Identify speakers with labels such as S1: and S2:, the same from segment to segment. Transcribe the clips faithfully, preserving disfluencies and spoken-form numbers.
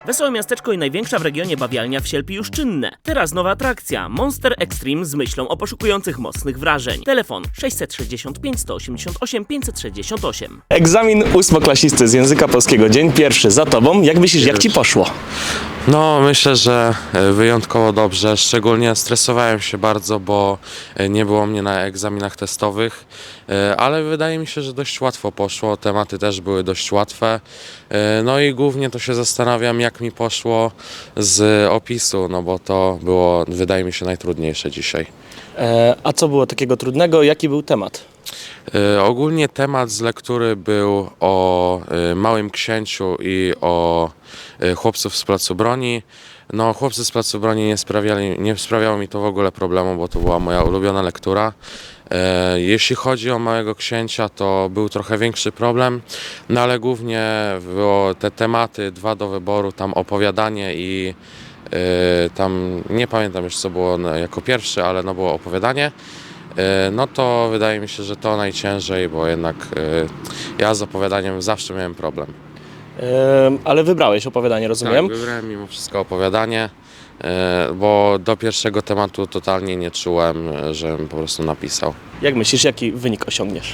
S1: Wesołe miasteczko i największa w regionie bawialnia w Sielpi już czynne. Teraz nowa atrakcja Monster Extreme z myślą o poszukujących mocnych wrażeń. Telefon sześćset sześćdziesiąt pięć, sto osiemdziesiąt osiem, pięćset sześćdziesiąt osiem.
S2: Egzamin ósmoklasisty z języka polskiego, dzień pierwszy za tobą. Jak myślisz, jak ci poszło?
S3: No, myślę, że wyjątkowo dobrze. Szczególnie stresowałem się bardzo, bo nie było mnie na egzaminach testowych, ale wydaje mi się, że dość łatwo poszło. Tematy też były dość łatwe. No i głównie to się zastanawiam, jak mi poszło z opisu, no bo to było, wydaje mi się, najtrudniejsze dzisiaj.
S2: E, a co było takiego trudnego? Jaki był temat?
S3: Y, ogólnie temat z lektury był o y, Małym Księciu i o y, chłopców z Placu Broni. No, chłopcy z Placu Broni nie sprawiali, nie sprawiało mi to w ogóle problemu, bo to była moja ulubiona lektura. E, jeśli chodzi o Małego Księcia, to był trochę większy problem, no ale głównie było te tematy, dwa do wyboru, tam opowiadanie i y, tam nie pamiętam już co było no, jako pierwsze, ale no było opowiadanie. No to wydaje mi się, że to najciężej, bo jednak y, ja z opowiadaniem zawsze miałem problem.
S2: E, ale wybrałeś opowiadanie, rozumiem?
S3: Tak, wybrałem mimo wszystko opowiadanie, y, bo do pierwszego tematu totalnie nie czułem, żebym po prostu napisał.
S2: Jak myślisz, jaki wynik osiągniesz?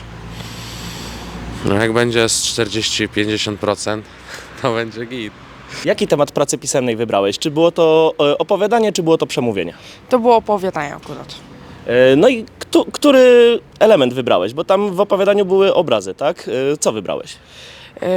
S3: No jak będzie z czterdzieści do pięćdziesięciu procent, to będzie git.
S2: Jaki temat pracy pisemnej wybrałeś? Czy było to e, opowiadanie, czy było to przemówienie?
S4: To było opowiadanie akurat.
S2: E, no i kto, który element wybrałeś? Bo tam w opowiadaniu były obrazy, tak? E, co wybrałeś?
S4: Yy,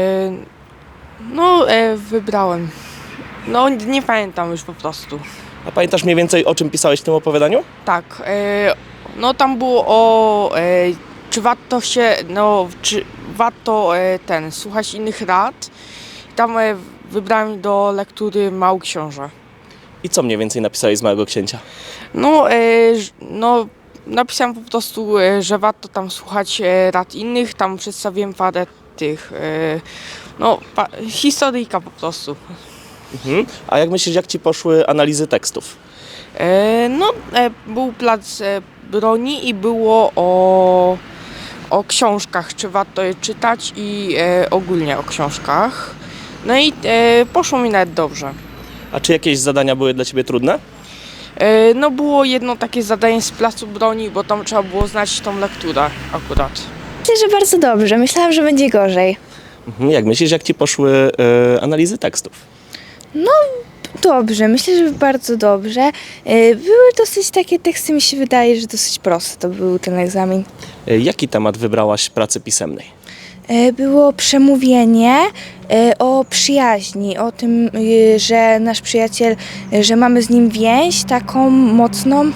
S4: no, e, wybrałem. No, nie pamiętam już po prostu.
S2: A pamiętasz mniej więcej, o czym pisałeś w tym opowiadaniu?
S4: Tak, e, no tam było o, e, czy warto się, no, czy warto e, ten, słuchać innych rad. Tam e, wybrałem do lektury Mały Książę.
S2: I co mniej więcej napisałeś z Małego Księcia?
S4: No, e, ż- no, napisałem po prostu, e, że warto tam słuchać e, rad innych. Tam przedstawiłem parę tych, e, no, pa- historyjka po prostu.
S2: Mhm. A jak myślisz, jak ci poszły analizy tekstów?
S4: E, no, e, był plac e, broni i było o, o książkach, czy warto je czytać i e, ogólnie o książkach. No i e, poszło mi nawet dobrze.
S2: A czy jakieś zadania były dla ciebie trudne?
S4: E, no było jedno takie zadanie z placu broni, bo tam trzeba było znać tą lekturę akurat.
S5: Myślę, że bardzo dobrze. Myślałam, że będzie gorzej.
S2: Mhm. Jak myślisz, jak ci poszły e, analizy tekstów?
S5: Dobrze, myślę, że bardzo dobrze. E, Były dosyć takie teksty, mi się wydaje, że dosyć proste to był ten egzamin.
S2: E, jaki temat wybrałaś pracy pisemnej?
S5: E, Było przemówienie e, o przyjaźni, o tym, e, że nasz przyjaciel, e, że mamy z nim więź taką mocną.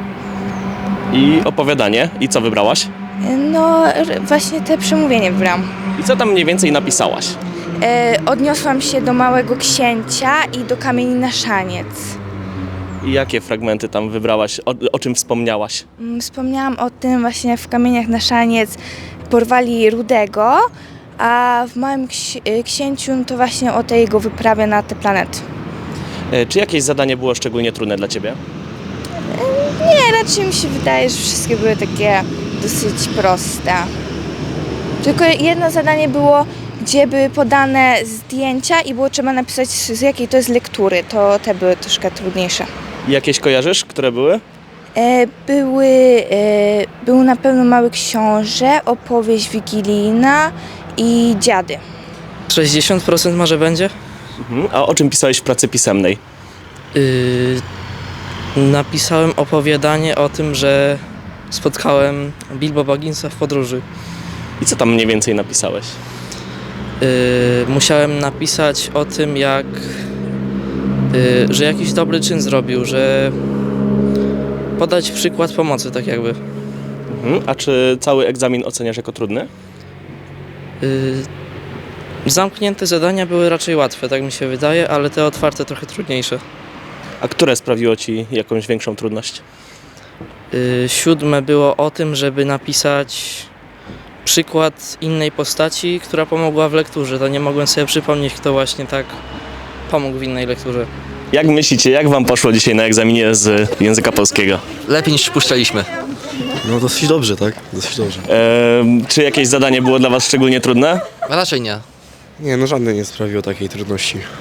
S2: I opowiadanie. I co wybrałaś?
S5: E, No r- właśnie te przemówienie wybrałam.
S2: I co tam mniej więcej napisałaś?
S5: E, Odniosłam się do Małego Księcia i do Kamieni na szaniec.
S2: I jakie fragmenty tam wybrałaś? O, o czym wspomniałaś?
S5: Mm, Wspomniałam o tym właśnie w Kamieniach na szaniec porwali Rudego, a w Małym Ksi- y, Księciu no to właśnie o tej jego wyprawie na te planety.
S2: E, czy jakieś zadanie było szczególnie trudne dla ciebie?
S5: Nie, raczej mi się wydaje, że wszystkie były takie dosyć proste. Tylko jedno zadanie było, gdzie były podane zdjęcia i było trzeba napisać z z jakiej to jest lektury. To te były troszkę trudniejsze.
S2: I jakieś kojarzysz, które były?
S5: E, Były, e, był na pewno Mały Książę, opowieść wigilijna i dziady.
S6: sześćdziesiąt procent może będzie?
S2: Mhm. A o czym pisałeś w pracy pisemnej?
S6: Yy, napisałem opowiadanie o tym, że spotkałem Bilbo Bagginsa w podróży.
S2: I co tam mniej więcej napisałeś?
S6: Yy, musiałem napisać o tym, jak, yy, że jakiś dobry czyn zrobił, że podać przykład pomocy, tak jakby.
S2: Mhm. A czy cały egzamin oceniasz jako trudny?
S6: Yy, zamknięte zadania były raczej łatwe, tak mi się wydaje, ale te otwarte trochę trudniejsze.
S2: A które sprawiło ci jakąś większą trudność?
S6: Yy, siódme było o tym, żeby napisać przykład innej postaci, która pomogła w lekturze. To nie mogłem sobie przypomnieć, kto właśnie tak pomógł w innej lekturze.
S2: Jak myślicie, jak wam poszło dzisiaj na egzaminie z języka polskiego?
S7: Lepiej niż przypuszczaliśmy.
S8: No dosyć dobrze, tak? Dosyć dobrze.
S2: E, czy jakieś zadanie było dla was szczególnie trudne?
S7: A raczej nie.
S8: Nie, no żadne nie sprawiło takiej trudności.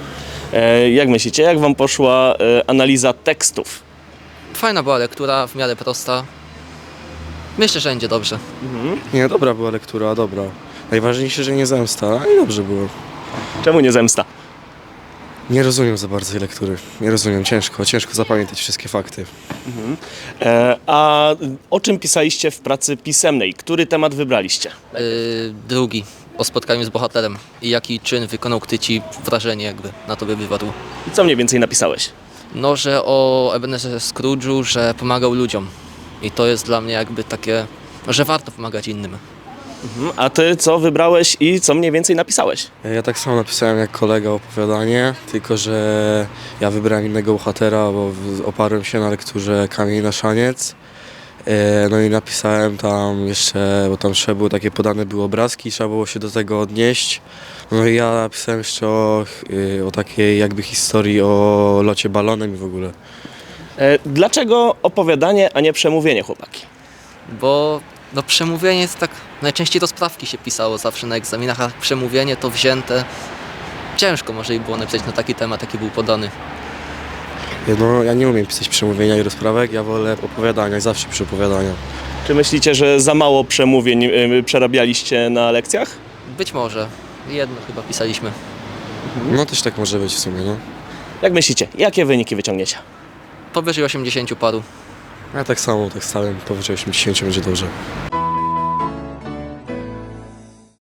S2: E, jak myślicie, jak wam poszła e, analiza tekstów?
S7: Fajna była lektura, w miarę prosta. Myślę, że będzie dobrze.
S8: Nie, dobra była lektura, dobra. Najważniejsze, że nie zemsta, i dobrze było.
S2: Czemu nie zemsta?
S8: Nie rozumiem za bardzo tej lektury. Nie rozumiem, ciężko, ciężko zapamiętać wszystkie fakty.
S2: E, a o czym pisaliście w pracy pisemnej? Który temat wybraliście?
S7: Yy, drugi, o spotkaniu z bohaterem i jaki czyn wykonał, który ci wrażenie jakby na tobie wywarł.
S2: I co mniej więcej napisałeś?
S7: No, że o Ebenezerze Scrooge'u, że pomagał ludziom. I to jest dla mnie jakby takie, że warto pomagać innym.
S2: Mhm. A ty co wybrałeś i co mniej więcej napisałeś?
S8: Ja tak samo napisałem jak kolega opowiadanie, tylko że ja wybrałem innego bohatera, bo w- oparłem się na lekturze Kamień na szaniec. E, No i napisałem tam jeszcze, bo tam trzeba było takie podane były obrazki, trzeba było się do tego odnieść. No i ja napisałem jeszcze o, y, o takiej jakby historii o locie balonem i w ogóle.
S2: E, dlaczego opowiadanie, a nie przemówienie, chłopaki?
S7: Bo no, przemówienie jest tak, najczęściej do sprawki się pisało zawsze na egzaminach, a przemówienie to wzięte. Ciężko może i było napisać na taki temat, jaki był podany.
S8: No ja nie umiem pisać przemówienia i rozprawek, ja wolę opowiadania, zawsze przy opowiadaniu.
S2: Czy myślicie, że za mało przemówień y, przerabialiście na lekcjach?
S7: Być może. Jedno chyba pisaliśmy.
S8: No też tak może być w sumie, no.
S2: Jak myślicie, jakie wyniki wyciągniecie?
S7: Powyżej osiemdziesięciu paru.
S8: Ja tak samo, tak stałem, powyżej osiemdziesiąt będzie dobrze.